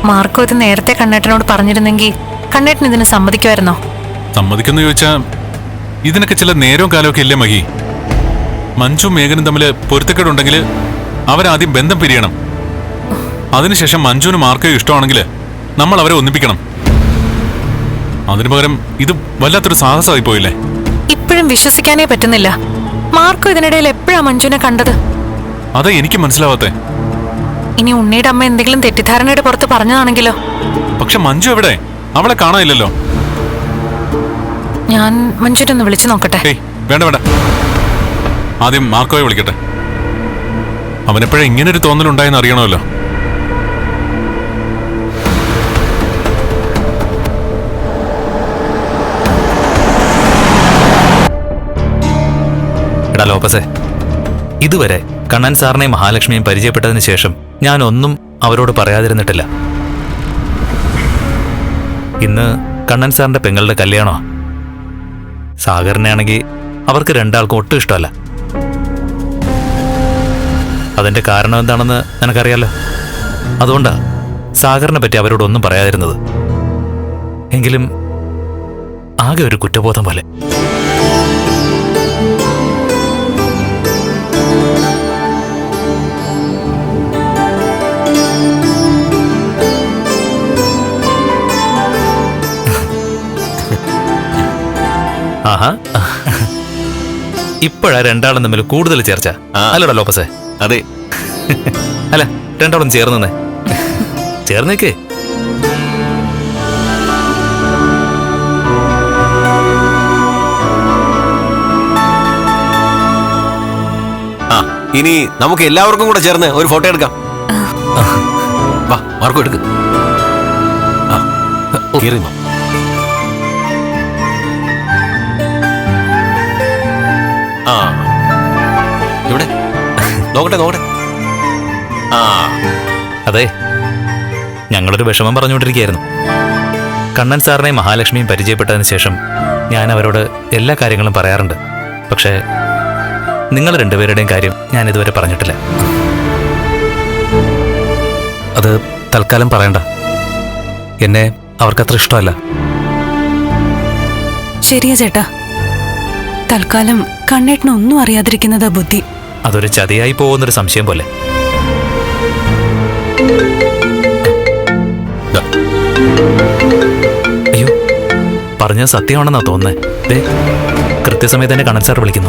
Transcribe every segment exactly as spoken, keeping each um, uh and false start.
Marco ഇത് നേരത്തെ കണ്ണേട്ടനോട് പറഞ്ഞിരുന്നെങ്കിൽ കണ്ണേട്ടൻ ഇതിന് സമ്മതിക്കുമായിരുന്നോ? സമ്മതിക്കുന്നു ചോദിച്ചാ ഇതിനൊക്കെ ചില നേരവും കാലമൊക്കെ ഇല്ലേ മഹി? മഞ്ജു മേഘനും തമ്മിൽ പൊരുത്തക്കേടുണ്ടെങ്കിൽ അവരാദ്യം ബന്ധം പിരിയണം. അതിനുശേഷം മഞ്ജുവിന് മാർക്കോ ഇഷ്ടമാണെങ്കിൽ നമ്മൾ അവരെ ഒന്നിപ്പിക്കണം. അതിനു പകരം ഇത് വല്ലാത്തൊരു സാഹസമായി പോയില്ലേ? ഇപ്പോഴും വിശ്വസിക്കാനേ പറ്റുന്നില്ല. മാർക്കോ ഇതിനിടയിൽ എപ്പോഴാ മഞ്ജുവിനെ കണ്ടത്? അതാ എനിക്ക് മനസ്സിലാവാത്തെ. ഇനി ഉണ്ണിയുടെ അമ്മ എന്തെങ്കിലും തെറ്റിദ്ധാരണയുടെ പുറത്ത് പറഞ്ഞതാണെങ്കിലോ? പക്ഷെ മഞ്ജു എവിടെ? അവളെ കാണാനില്ലല്ലോ. ഞാൻ മഞ്ജുവിനെ ഒന്ന് വിളിച്ചു നോക്കട്ടെ. ഏയ് വേണ്ട വേണ്ട, ആദ്യം മാർക്കോയെ വിളിക്കട്ടെ. അവനെപ്പോഴാ ഇങ്ങനൊരു തോന്നലുണ്ടായെന്ന് അറിയണമല്ലോ. എടാ ലോപ്പസേ, ഇതുവരെ കണ്ണൻ സാറിനെയും മഹാലക്ഷ്മിയും പരിചയപ്പെട്ടതിന് ശേഷം ഞാൻ ഒന്നും അവരോട് പറയാതിരുന്നിട്ടില്ല. ഇന്ന് കണ്ണൻ സാറിന്റെ പെങ്ങളുടെ കല്യാണോ? സാഗറിനെയാണെങ്കിൽ അവർക്ക് രണ്ടാൾക്കും ഒട്ടും ഇഷ്ടമല്ല. അതിന്റെ കാരണം എന്താണെന്ന് നിനക്കറിയാലോ. അതുകൊണ്ടാ സാഗറിനെ പറ്റി അവരോടൊന്നും പറയാതിരുന്നത്. എങ്കിലും ആകെ ഒരു കുറ്റബോധം പോലെ. ആഹാ, ഇപ്പോഴാ രണ്ടാളും തമ്മിൽ കൂടുതൽ ചേർച്ച അല്ലടാ ലോപ്പസേ? അതെ. അല്ല, രണ്ടാളും ചേർന്നേ ചേർന്നേക്കേ. ആ, ഇനി നമുക്ക് എല്ലാവർക്കും കൂടെ ചേർന്ന് ഒരു ഫോട്ടോ എടുക്കാം. വാ മാർക്കോ, എടുക്ക്. ആ ഇവിടെ നോക്കട്ടെ നോക്കട്ടെ. ആ അതെ, ഞങ്ങളൊരു വിഷമം പറഞ്ഞുകൊണ്ടിരിക്കുകയായിരുന്നു. കണ്ണൻ സാറിനെയും മഹാലക്ഷ്മിയും പരിചയപ്പെട്ടതിന് ശേഷം ഞാൻ അവരോട് എല്ലാ കാര്യങ്ങളും പറയാറുണ്ട്. പക്ഷേ നിങ്ങൾ രണ്ടുപേരുടെയും കാര്യം ഞാൻ ഇതുവരെ പറഞ്ഞിട്ടില്ല. അത് തൽക്കാലം പറയണ്ട. എന്നെ അവർക്കത്ര ഇഷ്ടമല്ല. ശരിയാ ചേട്ടാ, തൽക്കാലം കണ്ണേട്ടനൊന്നും അറിയാതിരിക്കുന്നതാ ബുദ്ധി. അതൊരു ചതിയായി പോകുന്നൊരു സംശയം പോലെ. അയ്യോ, പറഞ്ഞത് സത്യമാണെന്നാ തോന്നുന്നേ. ദേ, കൃത്യസമയത്ത് തന്നെ കണ്ണൻ സാർ വിളിക്കുന്നു.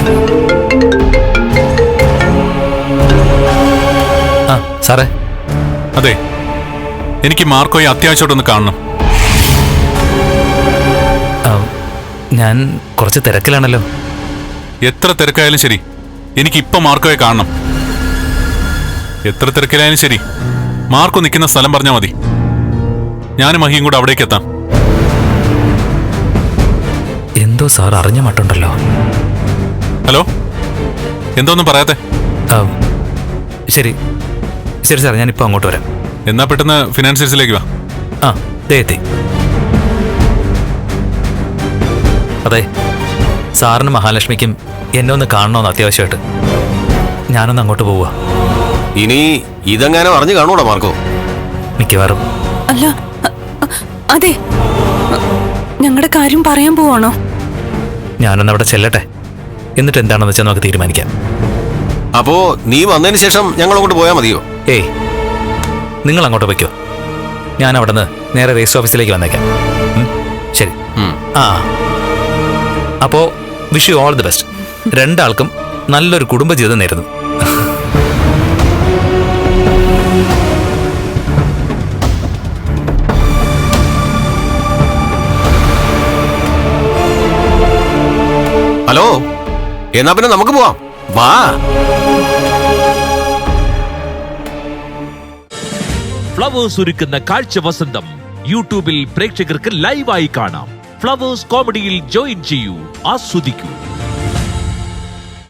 ആ സാറേ. അതെ, എനിക്ക് മാർക്കോയെ അത്യാവശ്യമായിട്ടൊന്ന് കാണണം. ഞാൻ കുറച്ച് തിരക്കിലാണല്ലോ. എത്ര തിരക്കായാലും ശരി, എനിക്ക് ഇപ്പൊ മാർക്കോയെ കാണണം. എത്ര തിരക്കിലായാലും ശരി, മാർക്കോ നിൽക്കുന്ന സ്ഥലം പറഞ്ഞാൽ മതി. ഞാനും മഹിയും കൂടെ അവിടേക്ക് എത്താം. എന്തോ സാർ അറിഞ്ഞ മട്ടുണ്ടല്ലോ. ഹലോ, എന്തോന്നും പറയാത്തെ? ശരി ശരി സാർ, ഞാനിപ്പോൾ അങ്ങോട്ട് വരാം. എന്നാ പെട്ടെന്ന് ഫിനാൻഷ്യൽസിലേക്ക് വാ. ആ ദേ എത്തി. അതെ, സാറിനും മഹാലക്ഷ്മിക്കും എന്നെ ഒന്ന് കാണണമെന്ന് അത്യാവശ്യമായിട്ട്. ഞാനൊന്ന് അങ്ങോട്ട് പോവുക. ഇനി ഇതെങ്ങനെ അറിഞ്ഞു കാണൂടാ മാർക്കോ? മിക്കവാറും. അല്ല, അതെ, ഞങ്ങളുടെ കാര്യം പറയാൻ പോവാണോ? ഞാനൊന്ന് അവിടെ ചെല്ലട്ടെ, എന്നിട്ട് എന്താണെന്ന് വെച്ചാൽ നമുക്ക് തീരുമാനിക്കാം. അപ്പോ നീ വന്നതിന് ശേഷം ഞങ്ങൾ അങ്ങോട്ട് പോയാൽ മതിയോ? ഏയ്, നിങ്ങൾ അങ്ങോട്ട് വയ്ക്കോ. ഞാൻ അവിടെ നിന്ന് നേരെ രജിസ്റ്റർ ഓഫീസിലേക്ക് വന്നേക്കാം. ശരി. ആ, അപ്പോ wish you all the best. രണ്ടാൾക്കും നല്ലൊരു കുടുംബജീവിതം നേരുന്നു. ഹലോ, എന്നാ പിന്നെ നമുക്ക് പോവാം. വാ. ഫ്ലവേഴ്സ് ഒരുക്കുന്ന കാഴ്ച വസന്തം യൂട്യൂബിൽ പ്രേക്ഷകർക്ക് ലൈവായി കാണാം. ഫ്ലവേഴ്സ് കോമഡിയിൽ ജോയിൻ ചെയ്യൂ, ആസ്വദിക്കൂ.